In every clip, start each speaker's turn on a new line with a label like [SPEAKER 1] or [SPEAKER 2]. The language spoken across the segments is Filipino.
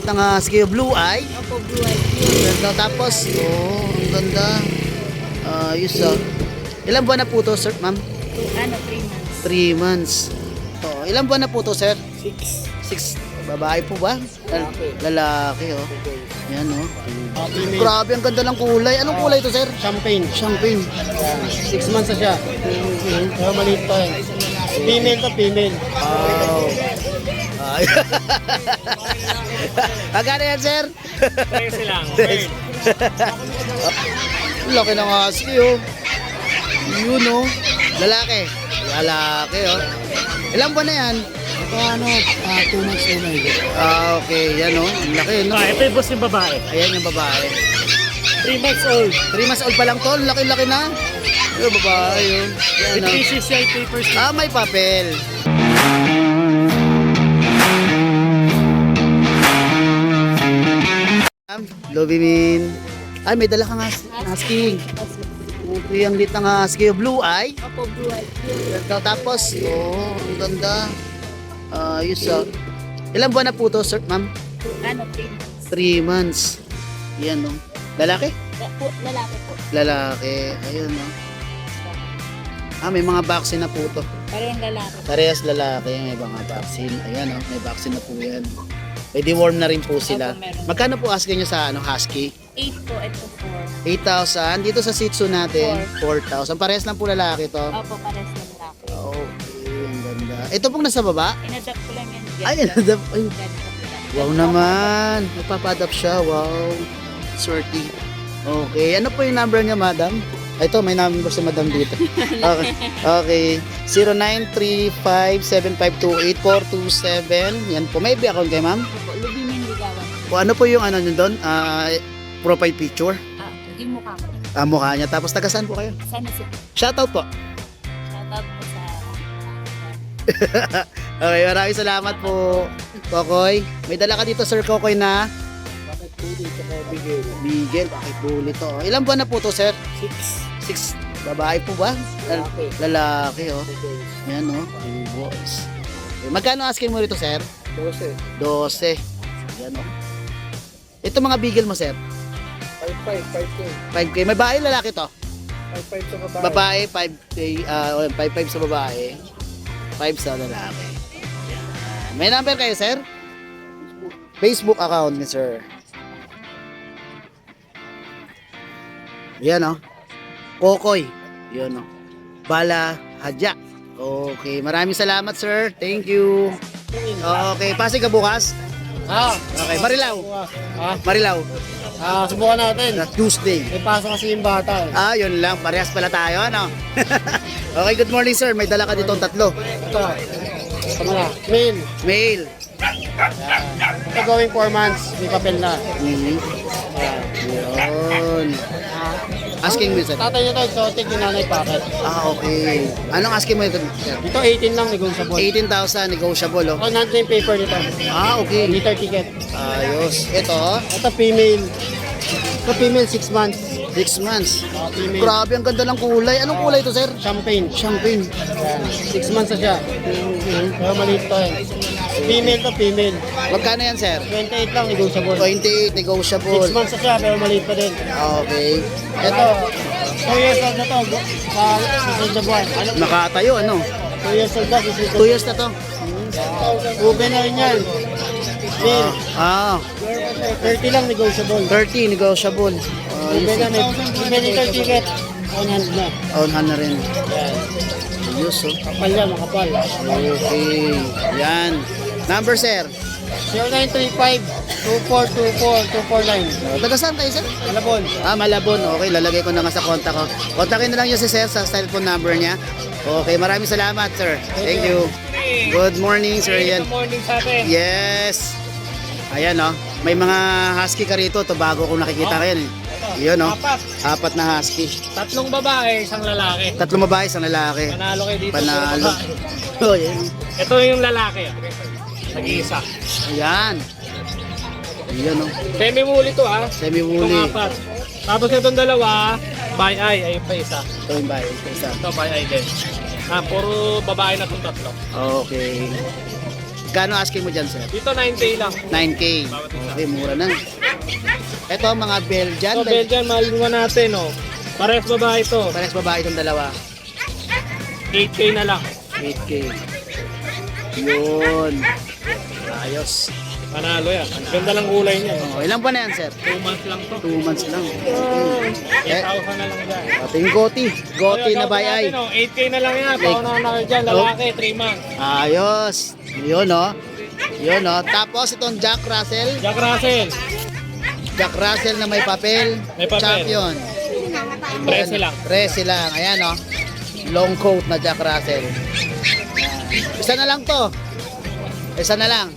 [SPEAKER 1] Ang skill blue eye.
[SPEAKER 2] Opo, blue eye.
[SPEAKER 1] Ganda. Tapos, ang ganda. Ayos Ilang buwan na po to, sir, ma'am?
[SPEAKER 2] 3 months.
[SPEAKER 1] 3 months. Ilang buwan na po to, sir?
[SPEAKER 3] 6.
[SPEAKER 1] 6. Babae po ba? Lalaki, Yan, Grabe, ang ganda ng kulay. Anong kulay to, sir?
[SPEAKER 3] Champagne.
[SPEAKER 1] Champagne.
[SPEAKER 3] 6 months na siya. Pero maliit pa eh. Female to female.
[SPEAKER 1] Wow. Ay. Magkano yan, sir?
[SPEAKER 3] Presi lang.
[SPEAKER 1] Laki ng husky, Yun, Lalaki. Lalaki, Ilang buwan na yan?
[SPEAKER 3] Ito 2 months na yun.
[SPEAKER 1] Okay. Yan, Ang laki,
[SPEAKER 3] Ito yung boss yung babae.
[SPEAKER 1] Ayan yung babae.
[SPEAKER 3] 3 months old.
[SPEAKER 1] 3 months old pa lang to. Laki-laki na. Yung babae, Yan,
[SPEAKER 3] With PCCI papers.
[SPEAKER 1] may papel. Lobimin. Ay, may dala kang husky. Okay, ang lit ng husky. Blue eye.
[SPEAKER 2] Opo, blue eye.
[SPEAKER 1] Tapos, ang ganda. Ayos Ilang buwan na po to, sir, ma'am?
[SPEAKER 2] 3 months.
[SPEAKER 1] 3 months. Yan, Lalaki?
[SPEAKER 2] Lalaki po.
[SPEAKER 1] Lalaki. Ayun, may mga vaccine na po to.
[SPEAKER 2] Parehong lalaki.
[SPEAKER 1] Parehas lalaki, may mga vaccine. Ayan, may vaccine na po yan. May deworm na rin po sila.
[SPEAKER 2] Opo, meron.
[SPEAKER 1] Magkano po asking nyo sa husky?
[SPEAKER 2] 8 po, ito
[SPEAKER 1] 8,000. Dito sa Shih Tzu natin, 4,000. Parehas lang po lalaki to.
[SPEAKER 2] 4. Opo, parehas na lalaki.
[SPEAKER 1] Okay, ang ganda. Ito pong nasa baba?
[SPEAKER 2] Inadapt ko lang yan.
[SPEAKER 1] Ay, wow naman. Nagpapa-adapt siya. Wow. Swerte. Okay. Ano po yung number niya, madam? Ito, may number si madam dito. Okay. Okay. 0935-7528-427. Yan po. May FB account kayo, ma'am?
[SPEAKER 2] Opo, Lubimin Ligawan.
[SPEAKER 1] O ano po yung ano nyo doon? Profile picture?
[SPEAKER 2] Yung mukha ko.
[SPEAKER 1] Mukha niya. Tapos taga saan po kayo?
[SPEAKER 2] Sana si
[SPEAKER 1] Shoutout po.
[SPEAKER 2] shoutout po sa
[SPEAKER 1] Okay, maraming salamat po, Kokoy. May dala ka dito, Sir Kokoy, na
[SPEAKER 3] Bakit puli ito kaya bigay?
[SPEAKER 1] bigel. Bakit buli to? Ilang buwan na po to, sir?
[SPEAKER 3] 6.
[SPEAKER 1] 6. Babae po ba?
[SPEAKER 3] Lalaki.
[SPEAKER 1] Lalaki, Yan, Two boys. Okay, magkano asking mo rito, sir?
[SPEAKER 3] 12.
[SPEAKER 1] 12. Yan, Ito mga bigel mo, sir?
[SPEAKER 3] 5'5".
[SPEAKER 1] 5K. May babae, lalaki to?
[SPEAKER 3] 5'5" sa babae.
[SPEAKER 1] Babae, 5K. 5'5 sa babae. 5 sa lalaki. Yan. May number kayo, sir? Facebook account ni sir. Yan, Kokoy. Yun, Bala Hadya. Okay, maraming salamat, sir. Thank you. Okay, Pasig ka bukas? Okay, Marilao. Marilao.
[SPEAKER 3] Subukan natin.
[SPEAKER 1] Tuesday.
[SPEAKER 3] May pasok kasi yung bata eh.
[SPEAKER 1] Yun lang. Parehas pala tayo, Okay, good morning, sir. May dala ka dito 3.
[SPEAKER 3] Ito. Ito muna. Male.
[SPEAKER 1] Mail.
[SPEAKER 3] Ito going 4 months. May papel na.
[SPEAKER 1] Yun. Asking mo, sir.
[SPEAKER 3] Tatay niya to, exotic yung nanay packet.
[SPEAKER 1] Okay. Anong asking mo ito, sir?
[SPEAKER 3] Ito 18 lang, negotiable.
[SPEAKER 1] 18,000 negotiable,
[SPEAKER 3] Ako nandun yung paper nito.
[SPEAKER 1] Okay.
[SPEAKER 3] Liter ticket.
[SPEAKER 1] Ayos. Ito,
[SPEAKER 3] Ito female. Ito female 6 months.
[SPEAKER 1] 6 months.
[SPEAKER 3] Female.
[SPEAKER 1] Grabe, ang ganda ng kulay. Anong kulay ito, sir?
[SPEAKER 3] Champagne.
[SPEAKER 1] Champagne.
[SPEAKER 3] Yan. 6 months na siya. Pero maliit to eh. Female to female.
[SPEAKER 1] Magkano yan, sir?
[SPEAKER 3] 28 lang, negotiable.
[SPEAKER 1] 28, negotiable.
[SPEAKER 3] 6 months na siya, pero maliit pa din.
[SPEAKER 1] Okay.
[SPEAKER 3] Ito, 2 years old na to. Sa susunod na buwan.
[SPEAKER 1] Nakatayo,
[SPEAKER 3] 2 years old na, susunod na
[SPEAKER 1] 2 years na to.
[SPEAKER 3] Ube na rin yan. Male. 30 lang, negotiable.
[SPEAKER 1] 30, negotiable.
[SPEAKER 3] Ube na, may liter ticket. On hand na.
[SPEAKER 1] On hand na rin.
[SPEAKER 3] Yan.
[SPEAKER 1] Ayos,
[SPEAKER 3] Kapal yan, makapal.
[SPEAKER 1] Okay. Yan. Number, sir.
[SPEAKER 3] 0935-2424-249.
[SPEAKER 1] Taga saan kayo, sir?
[SPEAKER 3] Malabon.
[SPEAKER 1] Malabon. Okay, lalagay ko na nga sa contact ko. Kontakin na lang yung si sir sa cellphone number niya. Okay, maraming salamat, sir. Thank you. Good morning, sir. Yan.
[SPEAKER 3] Good morning sa atin.
[SPEAKER 1] Yes. Ayan, may mga husky ka rito. Ito bago kong nakikita kayo. Yun, 4 na husky.
[SPEAKER 3] 3 babae, 1 lalaki.
[SPEAKER 1] 3 babae, 1 lalaki.
[SPEAKER 3] Panalo kayo dito.
[SPEAKER 1] Panalo. Oh, yan.
[SPEAKER 3] Ito yung lalaki. Nag-iisa.
[SPEAKER 1] Ayan. Ayan,
[SPEAKER 3] Semi-muli to
[SPEAKER 1] Semi-woolly.
[SPEAKER 3] Itong 4. Tapos itong dalawa, by eye. Ayun pa isa.
[SPEAKER 1] Ito yung bahay. Isa.
[SPEAKER 3] Ito by eye din. Puro babae na itong 3.
[SPEAKER 1] Okay. Gano asking mo dyan, sir?
[SPEAKER 3] Dito 9K lang.
[SPEAKER 1] 9K. Okay, mura na. Ito, mga Belgian.
[SPEAKER 3] So, Belgian, mahalin natin, oh. Parehas babae ito.
[SPEAKER 1] Parehas babae itong dalawa.
[SPEAKER 3] 8K na lang.
[SPEAKER 1] 8K. Yun. Ayos.
[SPEAKER 3] Panalo yan. Ang ganda lang kulay niya.
[SPEAKER 1] Oh, ilang pa na yan, sir?
[SPEAKER 3] 2 months lang to.
[SPEAKER 1] 2 months lang. Okay.
[SPEAKER 3] 8,000 na lang dyan.
[SPEAKER 1] Ito yung Goti. Goti na bayay.
[SPEAKER 3] 8K na lang yan. Pauna na kayo dyan. Lalaki, 3 months.
[SPEAKER 1] Ayos. Yun, oh. Yun, oh. Tapos itong Jack Russell.
[SPEAKER 3] Jack Russell.
[SPEAKER 1] Jack Russell na may papel.
[SPEAKER 3] May papel.
[SPEAKER 1] Champion.
[SPEAKER 3] 13 lang.
[SPEAKER 1] 13 lang. Ayan, oh. Long coat na Jack Russell. Isa na lang to. Isa na lang.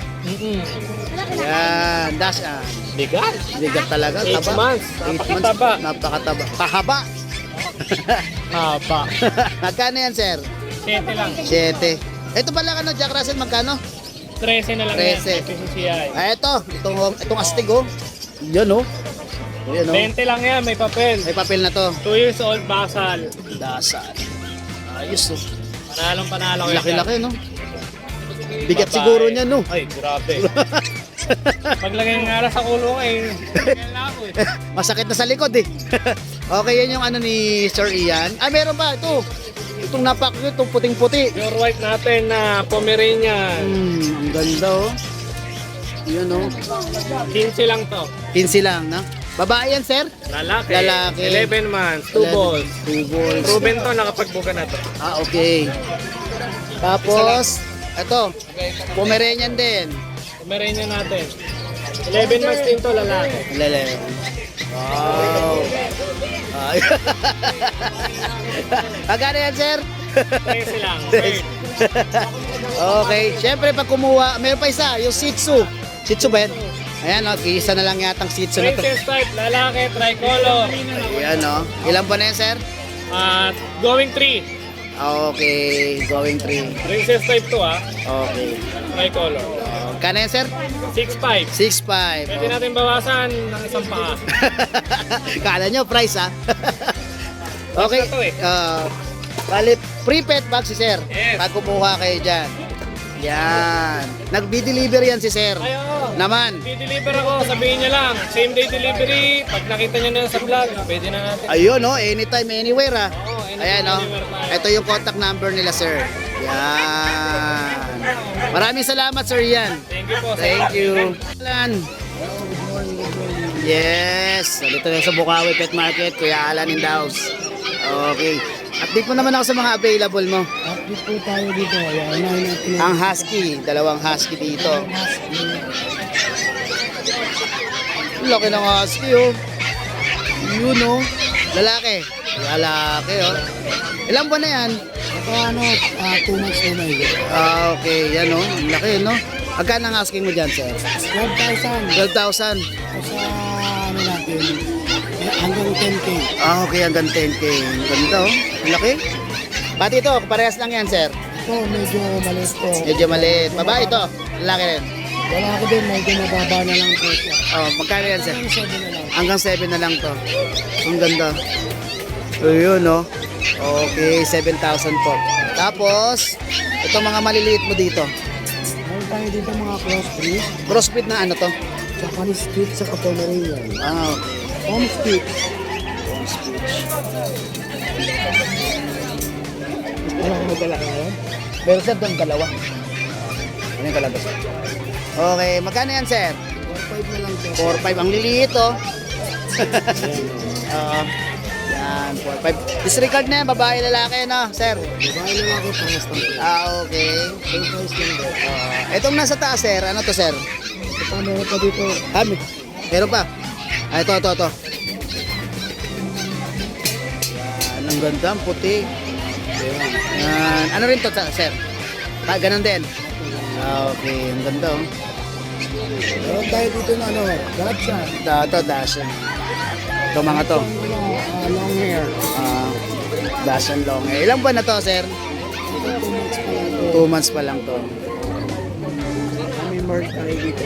[SPEAKER 1] Ayan. Dash, ah.
[SPEAKER 3] Bigat.
[SPEAKER 1] Bigat talaga.
[SPEAKER 3] 8
[SPEAKER 1] Taba.
[SPEAKER 3] months.
[SPEAKER 1] 8
[SPEAKER 3] Napakataba.
[SPEAKER 1] Napakataba. Pahaba.
[SPEAKER 3] Haba.
[SPEAKER 1] Magkano yan, sir?
[SPEAKER 3] 7 lang.
[SPEAKER 1] 7. Ito pala ano, Jack Russell, magkano?
[SPEAKER 3] 13 na lang
[SPEAKER 1] 13.
[SPEAKER 3] yan. PCCI.
[SPEAKER 1] Ah, itong astig, oh. Yan, oh. Yan, oh.
[SPEAKER 3] 20 lang yan. May papel.
[SPEAKER 1] May papel na to.
[SPEAKER 3] 2 years old, basal.
[SPEAKER 1] Dasal. Ayos, oh.
[SPEAKER 3] Panalong panalo kayo.
[SPEAKER 1] Laki-laki, no? Bigat
[SPEAKER 3] Babae.
[SPEAKER 1] siguro niya, no?
[SPEAKER 3] Ay, grabe. Paglagay ng aras sa kulong eh. Kailan ako eh.
[SPEAKER 1] Masakit na sa likod, eh. Okay, yan yung ano ni Sir Ian. Ah, meron pa, ito. Itong napak-cute, itong puting-puti.
[SPEAKER 3] Pure white natin na Pomeranian.
[SPEAKER 1] Ang ganda, oh. Yan, oh.
[SPEAKER 3] 15 lang to.
[SPEAKER 1] 15 lang, no? Babae yan, sir?
[SPEAKER 3] Lalaki.
[SPEAKER 1] Lalaki.
[SPEAKER 3] 11 months. 2 balls.
[SPEAKER 1] 2 balls.
[SPEAKER 3] Proven to, nakapagbuka na to.
[SPEAKER 1] Ah, okay. Tapos, ito, Pomeranian din.
[SPEAKER 3] Pomeranian natin. 11 months din to, lalaki.
[SPEAKER 1] Lele. Wow. Ay. Magkano yan, sir?
[SPEAKER 3] 13 lang. Third.
[SPEAKER 1] Okay. Siyempre, pag kumuha, meron pa isa, yung Shih Tzu. Shih Tzu ba yan? Ayan, no, isa na lang yatang Shih Tzu na to.
[SPEAKER 3] Princess type, lalaki, tricolor.
[SPEAKER 1] Ayan, no. Ilan pa na yan, sir?
[SPEAKER 3] At going 3.
[SPEAKER 1] Okay, going 3.
[SPEAKER 3] Princess type to ah.
[SPEAKER 1] Okay.
[SPEAKER 3] Tricolor.
[SPEAKER 1] Magkano yan, sir?
[SPEAKER 3] 6'5".
[SPEAKER 1] 6'5".
[SPEAKER 3] Pwede natin bawasan ng isang paa.
[SPEAKER 1] Kala nyo, price ha? Okay.
[SPEAKER 3] Basta to eh.
[SPEAKER 1] Bali, free pet bag si sir.
[SPEAKER 3] Yes.
[SPEAKER 1] Pag kumuha kayo dyan. Yan. Nag-deliver yan si sir.
[SPEAKER 3] Ay, oo.
[SPEAKER 1] Naman.
[SPEAKER 3] I-deliver ako, sabihin niya lang. Same day delivery. Pag nakita niya na sa vlog, pwede na natin.
[SPEAKER 1] Ayun, no? Anytime, anywhere ha.
[SPEAKER 3] Oo, anytime,
[SPEAKER 1] Ayan, no?
[SPEAKER 3] anywhere tayo.
[SPEAKER 1] Ito yung contact number nila, sir. Yan. Maraming salamat, sir Yan.
[SPEAKER 3] Thank you po.
[SPEAKER 1] Thank you. Alan. Yes. Dito na sa Bukawi Pet Market, Kuya Alan in the house. Okay. Update mo naman ako sa mga available mo.
[SPEAKER 3] Update po tayo dito. Ayan, natin.
[SPEAKER 1] Ang husky, dalawang husky dito. Laki ng husky, oh. Yun, oh. Lalaki. Lalaki, oh. Ilang buwan na yan?
[SPEAKER 3] Ito 2 months na yun.
[SPEAKER 1] Ah, okay. Yan, oh. Ang laki, no? Magkano ang asking mo dyan, sir?
[SPEAKER 3] 12,000.
[SPEAKER 1] 12,000.
[SPEAKER 3] Sa natin, hanggang 10K.
[SPEAKER 1] Ah, okay. Hanggang 10K. Ang ganda, oh. Ang laki. Pati ito, parehas lang yan, sir.
[SPEAKER 3] Ito, medyo maliit po.
[SPEAKER 1] Medyo maliit. Babae ito. Lalaki rin.
[SPEAKER 3] Wala ako din, medyo mababa na lang po siya.
[SPEAKER 1] Oh, magkano yan, sir?
[SPEAKER 3] Hanggang 7 na lang.
[SPEAKER 1] Hanggang 7 na lang to. Ang ganda. Ayun, no? Okay, 7,000 po. Tapos, ito mga maliliit mo dito.
[SPEAKER 3] Meron tayo dito mga crossbreed.
[SPEAKER 1] Crossbreed na ano to?
[SPEAKER 3] Japanese split sa Pomeranian.
[SPEAKER 1] Ah, okay.
[SPEAKER 3] Home split. Wala akong madala ka ngayon.
[SPEAKER 1] Pero sir, doon dalawa. Ano yung kalabas? Okay, magkano yan, sir?
[SPEAKER 3] 4-5 na lang po.
[SPEAKER 1] 4,500. Ang liliit, oh. Yan, 4,500. Disregard na yan, babae, lalaki, no, sir?
[SPEAKER 3] Babae na lang ako, pangas lang po.
[SPEAKER 1] Ah, okay.
[SPEAKER 3] Same price lang po.
[SPEAKER 1] Itong nasa taas, sir, ano to, sir?
[SPEAKER 3] Ito, meron pa dito.
[SPEAKER 1] Ah, meron pa. Ah, ito. Yan, ang ganda, ang puti. Yan. Ano rin to, sir? Ah, ganun din. Ah, okay, ang ganda, oh.
[SPEAKER 3] Meron tayo dito na gotcha.
[SPEAKER 1] Ito, Dashan. Ito mga to.
[SPEAKER 3] Long hair.
[SPEAKER 1] Dashan long. Ilang buwan na to, sir? 2 months pa lang to.
[SPEAKER 3] May mark tayo dito.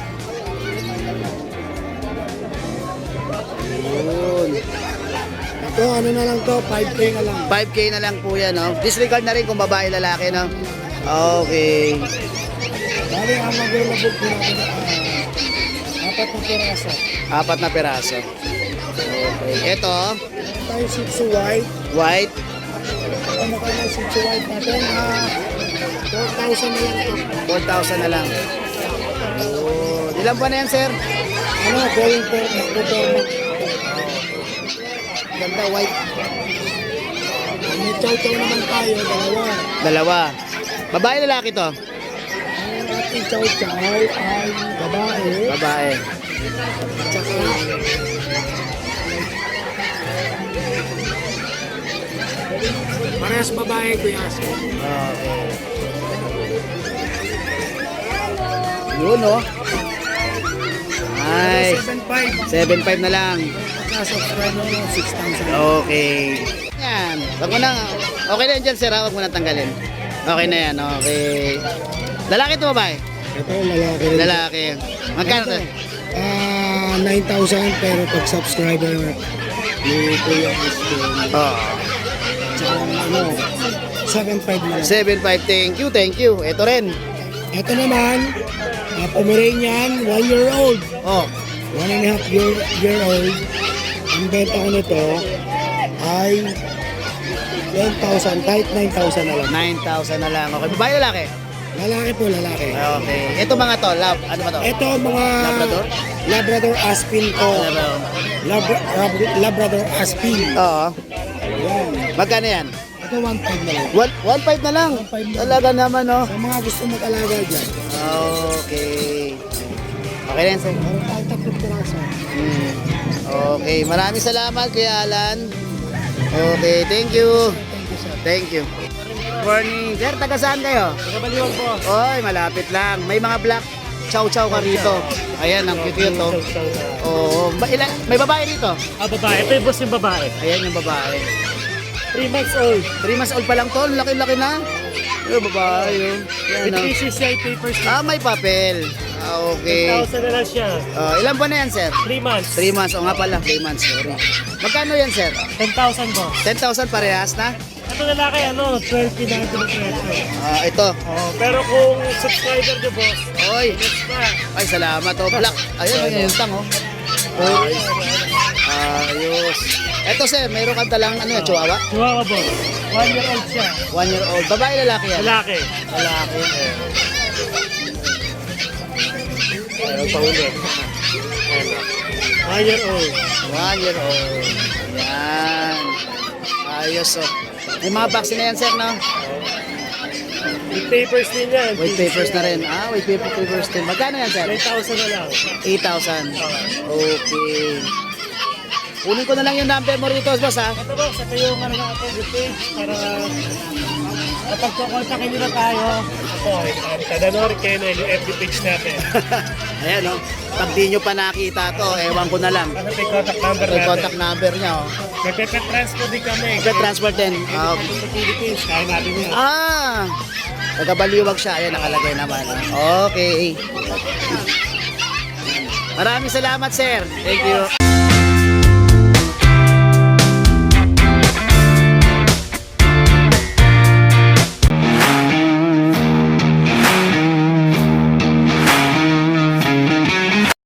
[SPEAKER 1] Yun.
[SPEAKER 3] Ito, ano na lang to, 5K na lang.
[SPEAKER 1] 5K na lang po yan, no? Disregard na rin kung babae, lalaki, no? Okay.
[SPEAKER 3] Bali, ang available po natin, apat na piraso.
[SPEAKER 1] 4 na peraso. Okay. Ito,
[SPEAKER 3] Meron tayo Shih Tzu White.
[SPEAKER 1] white.
[SPEAKER 3] Ano ka na Shih Tzu White natin? 4,000 na lang to.
[SPEAKER 1] 4,000 na lang. Oh, ilan ba na yan, sir?
[SPEAKER 3] Ano, going for performance.
[SPEAKER 1] Ganda, white.
[SPEAKER 3] May chow-chow naman tayo,
[SPEAKER 1] Dalawa. Babae, lalaki to?
[SPEAKER 3] Ang ating chow-chow ay babae.
[SPEAKER 1] Babae.
[SPEAKER 3] Tsaka, parehas babae, Kuya Asko.
[SPEAKER 1] Okay. Yun, no? Nice.
[SPEAKER 3] 7.5.
[SPEAKER 1] 7.5 na lang.
[SPEAKER 3] Subscribe mo 6,000.
[SPEAKER 1] Okay. Yan. Wag mo na. Okay na yan dyan, sir. Wag mo na tanggalin. Okay na yan. Okay. Lalaki to babae?
[SPEAKER 3] Ito, lalaki rin.
[SPEAKER 1] Lalaki. Magkano to?
[SPEAKER 3] 9,000 pero pag subscriber ni Kuya Asko,
[SPEAKER 1] Oh.
[SPEAKER 3] tsaka ano, 7.5 na lang.
[SPEAKER 1] 7.5. Thank you. Ito rin.
[SPEAKER 3] Ito naman, Pomeranian, 1 year old.
[SPEAKER 1] Oh.
[SPEAKER 3] 1.5 year old. Ang benta ko nito ay 10,000, kahit 9,000 na lang.
[SPEAKER 1] 9,000 na lang. Okay. Babae, lalaki?
[SPEAKER 3] Lalaki po, lalaki.
[SPEAKER 1] Okay. Ito mga to. Lab. Ano ba to?
[SPEAKER 3] Ito mga
[SPEAKER 1] Labrador?
[SPEAKER 3] Labrador Aspin ko. Labrador Aspin.
[SPEAKER 1] Oo.
[SPEAKER 3] Yan.
[SPEAKER 1] Magkano yan?
[SPEAKER 3] Ito 1.5 na lang.
[SPEAKER 1] 1.5 na lang.
[SPEAKER 3] 1.5 na lang.
[SPEAKER 1] Talaga naman, no?
[SPEAKER 3] Sa mga gusto mag-alaga dyan.
[SPEAKER 1] Okay. Okay na yan, sir.
[SPEAKER 3] Meron tayo 3 piraso.
[SPEAKER 1] Hmm. Okay. Maraming salamat, Kuya Alan. Okay. Thank you.
[SPEAKER 3] Thank you, sir.
[SPEAKER 1] Thank you. Morning. Sir, taga saan kayo?
[SPEAKER 3] Nagabaliwag po.
[SPEAKER 1] Oy, malapit lang. May mga black chow-chow ka rito. Ayan, ang cute to. Oo. May babae rito.
[SPEAKER 3] Babae. Ito yung boss yung babae.
[SPEAKER 1] Ayan yung babae.
[SPEAKER 3] 3 months old.
[SPEAKER 1] 3 months old pa lang to. Laki-laki na. Yung babae. Yun. Yan,
[SPEAKER 3] With
[SPEAKER 1] ah.
[SPEAKER 3] PCCI papers.
[SPEAKER 1] May papel. Okay.
[SPEAKER 3] 1,000 na lang siya.
[SPEAKER 1] Ilan ba na yan, sir?
[SPEAKER 3] 3 months.
[SPEAKER 1] 3 months. O nga pala, 3 months. Sorry. Magkano yan, sir?
[SPEAKER 3] 10,000 po.
[SPEAKER 1] 10,000 parehas na?
[SPEAKER 3] Ito lalaki, 12 na ito ng presyo.
[SPEAKER 1] Ito.
[SPEAKER 3] Pero kung subscriber nyo, boss,
[SPEAKER 1] Oy.
[SPEAKER 3] next na.
[SPEAKER 1] Ay, salamat. Oh, black. Ayun, yung tang, oh. Ayos. Ito, sir, mayroon kang talang, chihuahua?
[SPEAKER 3] Chihuahua, boss. 1 year old siya.
[SPEAKER 1] 1 year old. Babae, lalaki yan?
[SPEAKER 3] Lalaki.
[SPEAKER 1] Lalaki.
[SPEAKER 3] Ayaw pa ulit. 1 year old.
[SPEAKER 1] 1 year old. Yan. Ayos, oh. May mga vaccine na yan, sir, no?
[SPEAKER 3] With papers din yan.
[SPEAKER 1] White papers na rin. White papers din. Magkano yan, sir?
[SPEAKER 3] 9,000 na lang.
[SPEAKER 1] 8,000. Okay. Kunin ko na lang yung number mo rito, boss, ha?
[SPEAKER 3] Ito, boss, ito yung ano natin, the page, para kapag kukontakin nyo na tayo, ito, Tadanor Kennel, yung FB page natin.
[SPEAKER 1] Ayan, oh. Pag di nyo pa nakita to, ewan ko na lang.
[SPEAKER 3] Ano ito yung contact number
[SPEAKER 1] Yung
[SPEAKER 3] natin?
[SPEAKER 1] contact number niya, oh.
[SPEAKER 3] Nagpe-transfer din kami.
[SPEAKER 1] Transfer din. Okay.
[SPEAKER 3] Sa Philippines, kaya natin yun.
[SPEAKER 1] Nagabaliwag siya. Ayan, nakalagay naman. Okay. Maraming salamat, sir. Thank you.